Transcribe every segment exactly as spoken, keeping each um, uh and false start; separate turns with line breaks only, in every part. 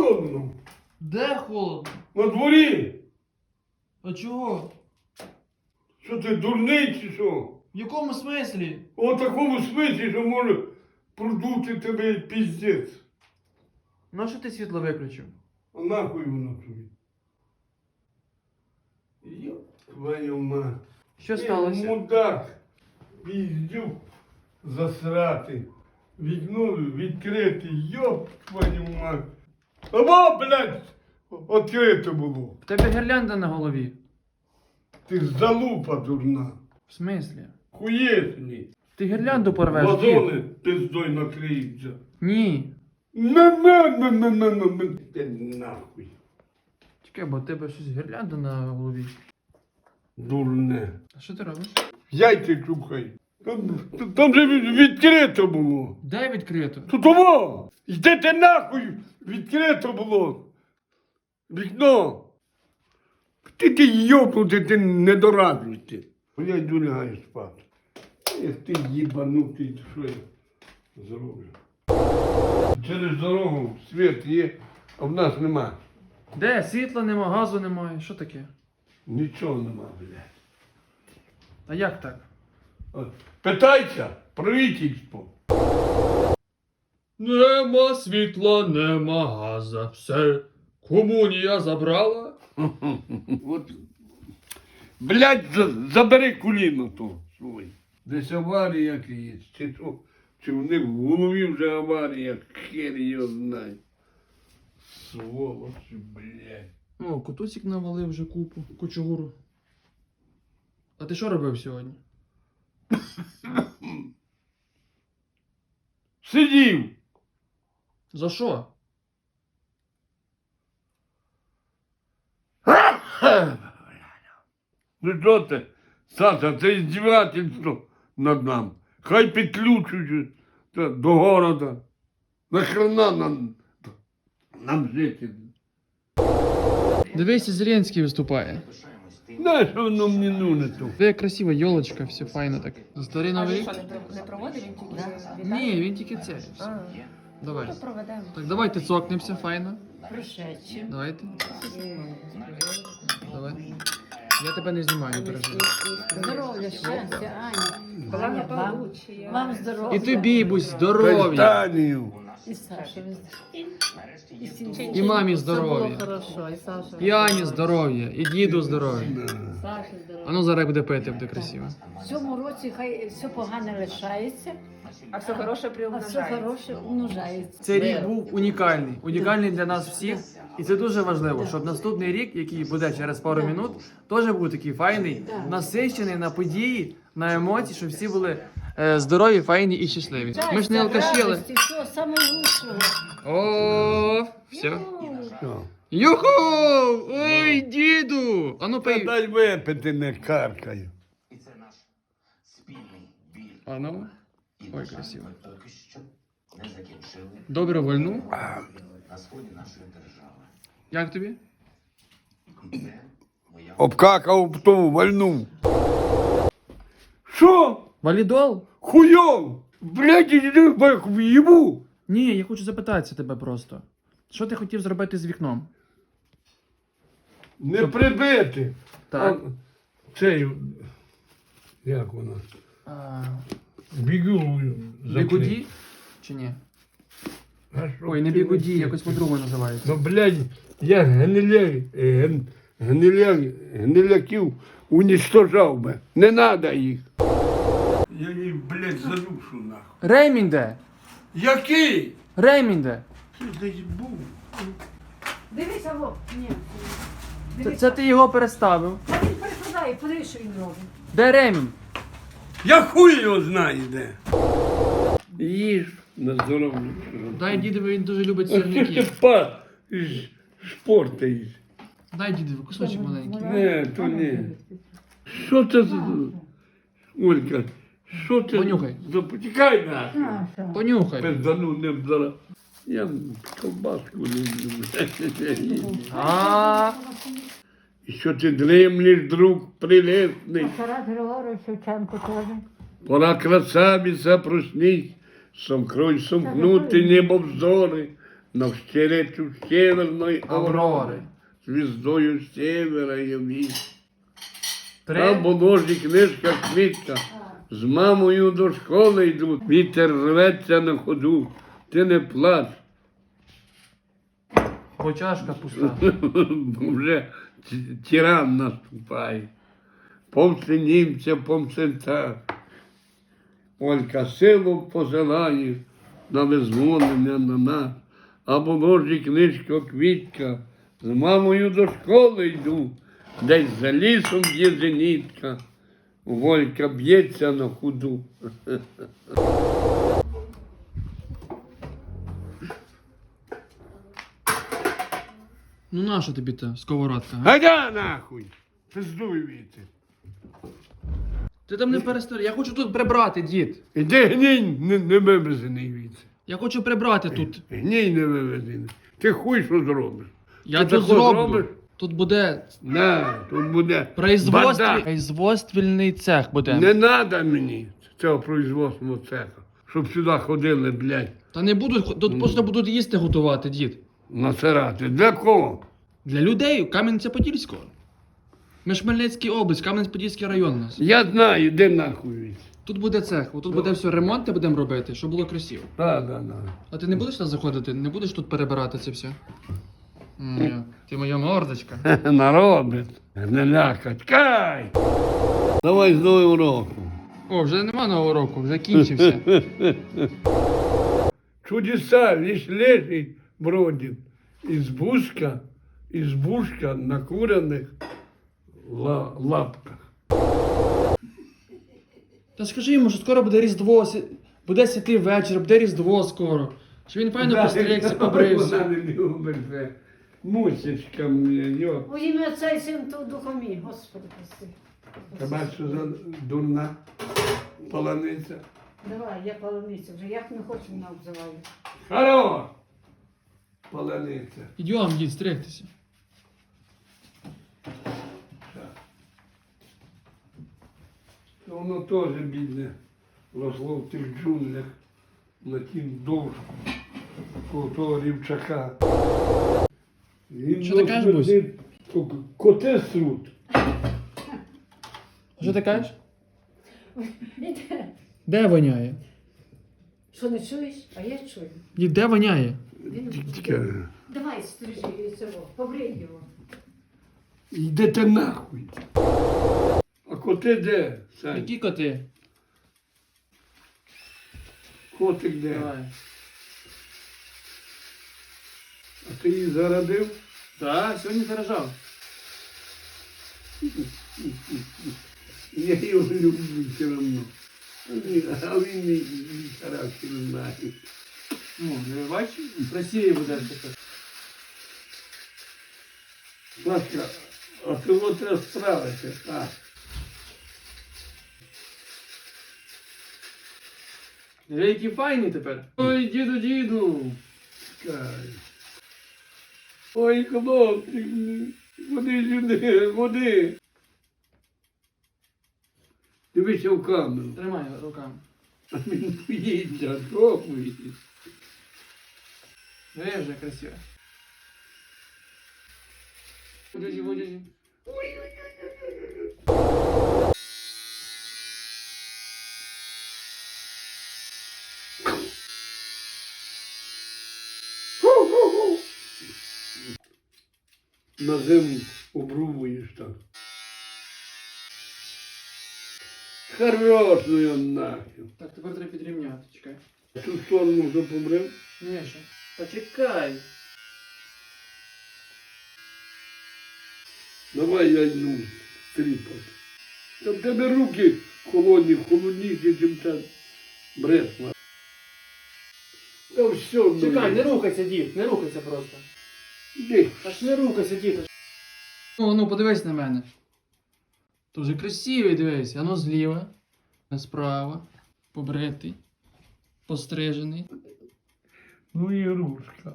холодно.
Де холодно?
На дворі.
А чого?
Що ти дурний чи що?
В якому смислі?
У такому смислі, що може продути тебе і піздець.
Ну що ти світло виключив?
А нахуй воно тобі? Йоп, твою мать.
Що сталося?
Ти мудак, піздюк засрати. Вікно відкрите, йоп, твою мать. Або, блядь, відкрите було.
В тебе гірлянда на голові.
Ти залупа дурна.
В смислі?
Хуєсні.
Ти гірлянду порвеш?
Вазони пиздой накриються.
Ні.
На-на-на-на-на-на. Ти нахуй.
Чекай, бо в тебе щось гірлянда на голові.
Дурне.
А що ти робиш?
Яйця чухай. Там, там же від- відкрито було.
Дай відкрито.
Тут того! Йдете нахуй! Відкрито було! Вікно! Ти ти йобнути, ти недоразвитий. Я йду лягаю спати. Ех ти їбанутий, що я зроблю. Через дорогу світ є, а в нас нема.
Де? Світла нема, газу немає. Що таке?
Нічого нема, блядь.
А як так?
От, питайся, правительство.
Нема світла, нема газа. Все. Комунія забрала.
От, блядь, за- забери куліно то свої. Десь аварія якась, чи то, чи в них в голові вже аварія, хер його знає. Сволочі, блядь.
О, Котусік навалив вже купу, кучугуру. А ти що робив сьогодні?
Сидів.
За що?
Ну що ти, Саша, це іздівательство над нами. Хай підключують та, до города. Нахрена нам, нам жити?
Дивися, Зеленський виступає.
Знаєш, що воно мені нужне то?
Де красива йолочка, все файно так. За старий
А
новий
він
рік?
що, не, не проводив, він тільки вітає?
Ні, він тільки це.
А,
Давай.
то проведемо.
Так, давайте цокнемося, файно.
Пришедші.
Давайте. Давай. Я тебе не знімаю, не переживай.
Здоров'я, щастя, Аня. Аня, вам, вам здоров'я.
І тобі, будь здоров'я.
Кастанію.
І Саші. І, Сінчі.
І мамі
Все
здоров'я.
було хорошо, і Саша.
І Ані здоров'я, і діду здоров'я.
Саші
А
здоров'я.
ну зараз буде пити, буде красиво.
В цьому році хай все погане лишається,
А все хороше
а все
приумножається.
хороше умножається.
Цей рік був унікальний. Унікальний для нас всіх. І це дуже важливо, щоб наступний рік, який буде через пару минут, теж був такий файний, насичений на події, на емоції, щоб всі були е, здорові, файні і щасливі. Ми ж не алкаші, але...
Радості, всього самого лучшого.
О, все.
Що?
Юху! Ой, діду! А ну
Та
пий.
дай випити, не каркаю.
І це наш спільний біль.
А ну.
І,
Ой,
на жаль,
красиво.
ми поки що не закінчили
Добре вольну.
на сході нашої держави.
Як тобі?
Це моя
Обкакав ту вальну. Що?
Валідол?
Хуйов! Блядь, іди в їбу!
Ні, я хочу запитатися тебе просто. Що ти хотів зробити з вікном?
Не прибити.
Так.
А, цей, як вона?
А,
Бігулою.
бігуді? Чи ні? Ой, не бігуді, якось по-другому називається.
Ну, блядь, я гниля, ген, гниля, гниляків уничтожав би. Не надо їх. Я їх, блядь, задушу нахуй.
Ремінь де?
Який?
Ремінь де?
Ти десь був.
Дивися, во. Ні.
Це, це ти його переставив.
Та він перекладає, подивись, що він робить.
Де ремінь?
Я хуй його знаю де. Їж на здоров'я.
Дай дідові, він дуже любить
Ось ти ж ти
сирники.
па ж- шпортаєш.
Дай дідові, кусочок маленький.
Не, то не. Що це за... Олька, що це
Понюхай.
за... Потікай нахуй.
Понюхай.
Пиздану не зараз. Я колбаску не люблю.
А,
І що ти дремлеш, друг прилесний?
Тарас Григорович Шевченко теж.
Пора красавица проснись, сомкрой сомкнути небо взори, навстречу северної
Аврори.
аврори, звіздою севера яві. Там
Три.
положі книжка квітка, з мамою до школи йдуть, вітер рветься на ходу, ти не плач,
Бо чашка пуста.
бо вже ті- тиран наступає. Помси німця, помси так. Олька силу посилає на визволення на нас, а положі книжка квітка, з мамою до школи йду, десь за лісом є зенітка, Волька б'ється на ходу.
Ну наша тобі та сковородка? га?
Гайда нахуй! Пиздуй віти.
Ти там не перестав. Я хочу тут прибрати, дід.
Іди гній не, не вивезений віти.
Я хочу прибрати тут.
Гній не вивезений. Ти хуй що зробиш?
Я
Ти
тут
тако
зроблю.
зробиш?
Тут буде
На, тут буде
производстві...
бардак.
производственний цех буде.
Не треба мені цього производственного цеха, щоб сюди ходили, блядь,
Та не будуть, тут просто будуть їсти готувати, дід.
насирати. Для кого?
Для людей Кам'янця-Подільського. Ми ж Хмельницький область, Кам'янець-Подільський район у нас.
Я знаю, іди нахуй віти.
Тут буде цех, тут буде все ремонти будемо робити, щоб було красиво.
Так, так, так.
А ти не будеш нас заходити? Не будеш тут перебирати це все? М, Ти моя мордочка.
Наробить. Не лякать. Кай! Давай з новим роком.
О, вже нема нового року, вже кінчився.
Чудеса лишь лежит бродит. Избушка, избушка на куриных ла- лапках.
Та скажи йому, що скоро буде Різдво, сі- буде святий вечір, буде Різдво скоро. Що він файно постригся,
Вона
побрився.
не любить це. Мусечка мені, йо.
У ім'я Отця і Сина та Духа мій, Господи, прости.
Тебе що за дурна полониця?
Давай, я полониця вже, як не хочу, мене обзиваю.
Хорош! Полониця.
Ідіом, дід, стригтися.
Воно теж бідне росло в тих джунглях на тім довжку коло того рівчака. Він
Що ти кажеш, Бусь?
смердить, ко- коти срут.
Що ти кажеш?
Іде.
Де воняє?
Що не чуєш? А я чую.
Дід, де воняє?
Він...
Тільки
Давай, стрижи цього, побрий його.
йдете нахуй. А коти де? Сань?
Які коти?
Котик де?
Давай.
А ти її зарадив?
Так, сьогодні заражав.
Я його люблю все одно. А він- А він мій мій характер знає.
Ну, не бачиш? Красиві буде тепер.
Ласка, а того треба справити, так.
Диви, які файні тепер. Ой, діду, діду.
Чекай. Ой, хлопчик, ходи сюди, ходи. Дивися в камеру.
Тримай руками.
А він боїться, що боїться?
Диви, вже красиво. Водязі, водязі.
На зиму обрубуєш так. Хорошою нахер.
Так, тепер треба підрівняти, чекай.
Цю сторону вже побрив.
Ні, ще. Почекай.
Давай я йду тріпати. Та в тебе руки холодні, холодніші, ніж та бресла. Та все, ну,
Чекай, не рухайся, дід, не рухайся просто.
Іди.
Аж не рухайся, дід. Ну, ну, подивись на мене. Дуже красивий, дивись. Ану зліва, справа, побритий, пострижений.
Ну і рушка.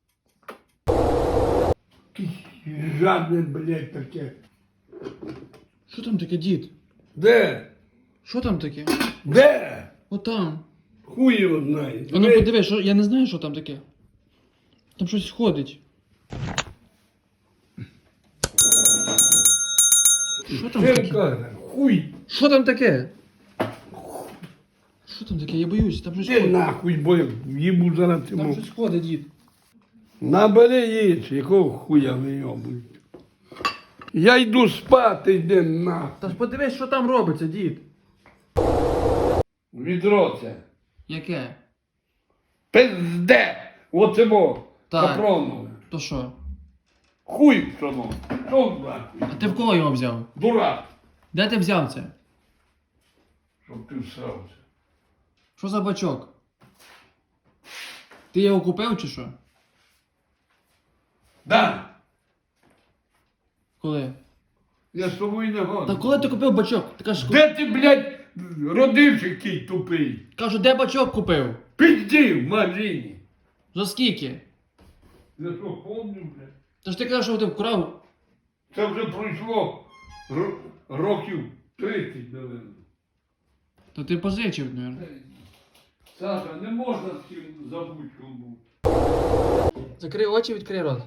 Жадне, блядь, таке.
Що там таке, дід?
Де?
Що там таке?
Де?
Отам.
Хуй його знає.
А ну подивись, що, я не знаю, що там таке. Там щось ходить. Що там
Це
таке?
каже, хуй.
Що там таке? Що там таке? Я боюсь, там щось
Ти
ходить.
нахуй, бо їбу зараз
Там
цьому.
щось ходить, дід.
Набери їсть, якого хуя вийобують. Я йду спати, йди нахуй.
Та ж подивись, що там робиться, дід.
Відро це.
Яке?
Пизде! Оце бо.
Так.
Капронове.
То що?
Хуй пшоно. Що нахуй?
А ти в кого його взяв?
Дурак.
Де ти взяв це?
Щоб ти всрався.
Що за бачок? Ти його купив чи що?
Да.
Коли?
Я з тобою не
Та
году.
коли ти купив бачок? Ти кажеш,
Де ти, блядь, родився який тупий?
кажу, де бачок купив?
Пізді в магазині.
За скільки?
Я що помню, блядь.
Та ж ти кажеш, що ти вкрав.
Це вже пройшло ро- років тридцять, напевно.
То ти позичив, мабуть.
Саша, не можна з цим забути, що був.
Закрий очі, відкрий рот.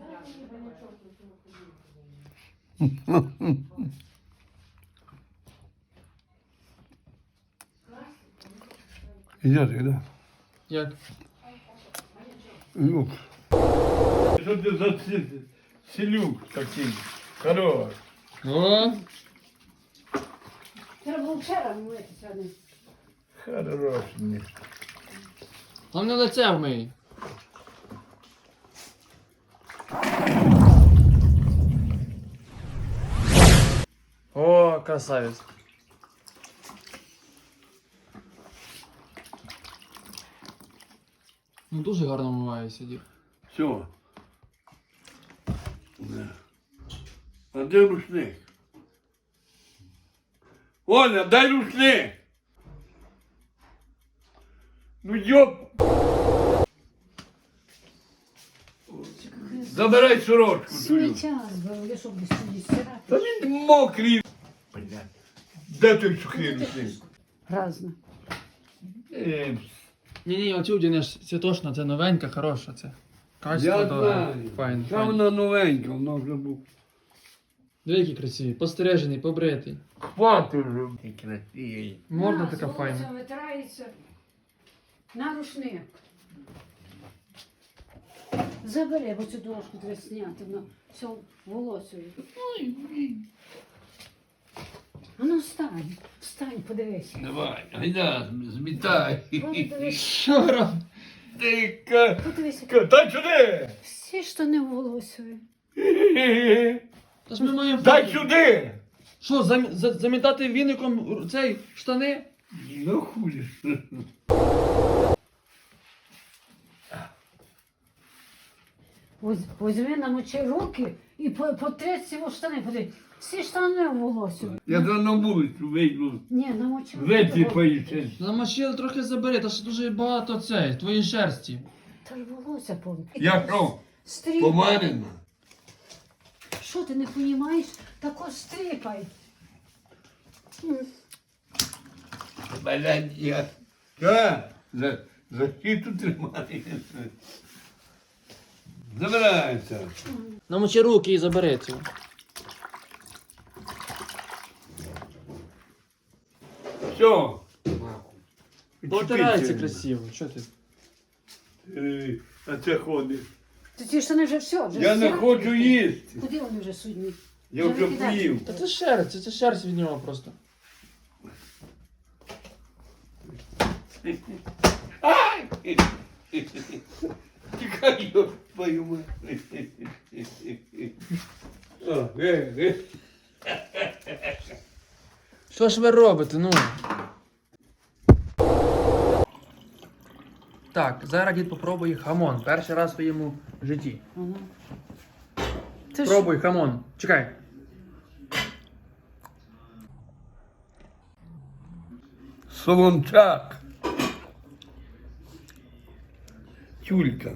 Іде ти, да?
Як?
Ну. Що ти за ці- селюк такий? Хорош.
О!
Треба було вчора митися. а не-
Хорош. ні.
Головне лице вмий. О, красавець. Ну дуже гарно вмивається, дід.
Все. Да. А де рушник? Оля, дай рушник! Ну йоп! Забирай сорочку твою.
Сміття збив, щоб сюди стирати.
Та він мокрий. Блядь. Де той сухий рушник?
Разно.
Е,
Ні-ні, оцю вдінеш, це точно, це новенька, хороша, це. Качество
Я
добре.
знаю.
Файн,
Та
файн.
вона новенька, вона вже був.
Диви, який красивий, постережений, побритий.
Хватить вже. Ти красивий.
Морда
На,
така
з
файна.
волоссям витирається. На рушник. Забери, бо цю дошку треба зняти. На все волосою. А ну встань, встань, подивись.
Давай, гайда, змітай.
Подивись,
Що роб?
Ти ка...
подивись.
ка- Та сюди!
Всі штани волосою.
Та ж ми маємо...
Дай сюди!
Що, зам... за- замітати віником р- цей штани?
Ну хуй.
Воз- Возьми намочи руки і по- потреться його штани. Подивись. Всі штани волосою.
Я за на вулицю вийду.
Ні, намочи руки.
Висипаюся.
Намочили трохи забери, та ж дуже багато цей, твоєї шерсті.
Та ж волосся повне.
Я що,
Стріпай.
помарена?
Що ти не розумієш? Тако стріпай.
Блядь, я... Ка? За, за щиту тримаєшся. Забирайся.
Намочи руки і забери це.
Все.
Потирається красиво, що ти?
Е, А це ходить.
Ти ці штани вже все, вже
Я не
стирати.
хочу їсти.
Куди вони вже судні?
Я вже
викидай.
поїв.
Та це шерсть, це, це шерсть від нього просто.
Ай! Тікай, йо, твою мать. О, е, е.
Що ж ви робите, ну? Так, зараз дід попробує хамон. Перший раз в своєму житті.
Ага. Це ж
Пробуй хамон. Чекай.
Солончак. Тюлька.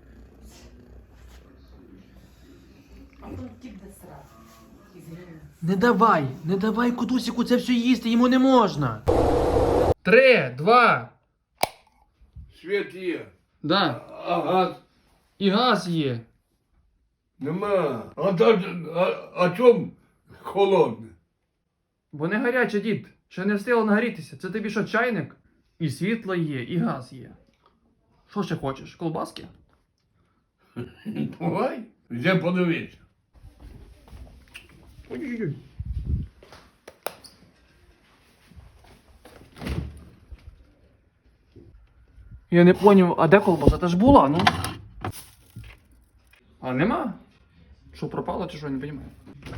Не давай, не давай кутусіку це все їсти, йому не можна. Три, два.
Світ є.
Да.
А газ
І газ є.
Нема. А, та- а, а чом холодне?
Бо не гаряче, дід. Ще не встигло нагрітися. Це тобі що, чайник? І світло є, і газ є. Що ще хочеш? Колбаски?
Давай, йде подивитися.
Ой-ой-ой. Я не поняв, а де колбаса? Та ж була, ну. А нема? Що, пропало чи що, я не розумію.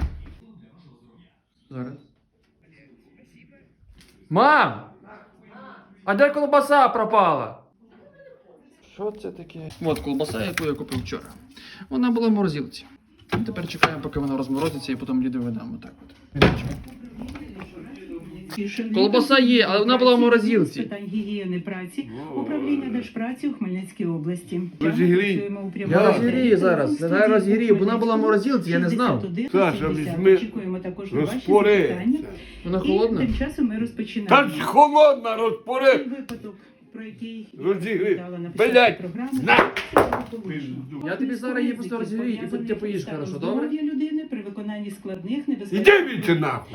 Зараз. Мам! А де колбаса пропала? Що це таке? От колбаса, яку я купив вчора. Вона була в морозилці. Тепер чекаємо, поки вона розморозиться, і потім ліду видам. Отак от. Колбаса є, але вона була в морозилці.
З питань гігієни праці, управління Держпраці у Хмельницькій області.
Розігрій.
Працюємо у прямому
Я розігрію
ефірі.
зараз.
Телефон
Я розігрію, бо вона була в
студії
морозилці, я не знав.
шістдесят один
Саша,
шістдесят.
візьми,
Очікуємо також на ваші
розпори.
запитання.
Вона
І
холодна?
тим часом ми
Та
розпочинаємо.
ж холодна,
Цей
розпори.
випадок, про який я
Розігрій.
розповідала на початку
Блядь,
програми.
на!
Я тобі зараз її просто розігрію, і потім ти поїш, хорошо, добре?
Здоров'я людини при виконанні складних
Іди
небезпечних
віці нахуй.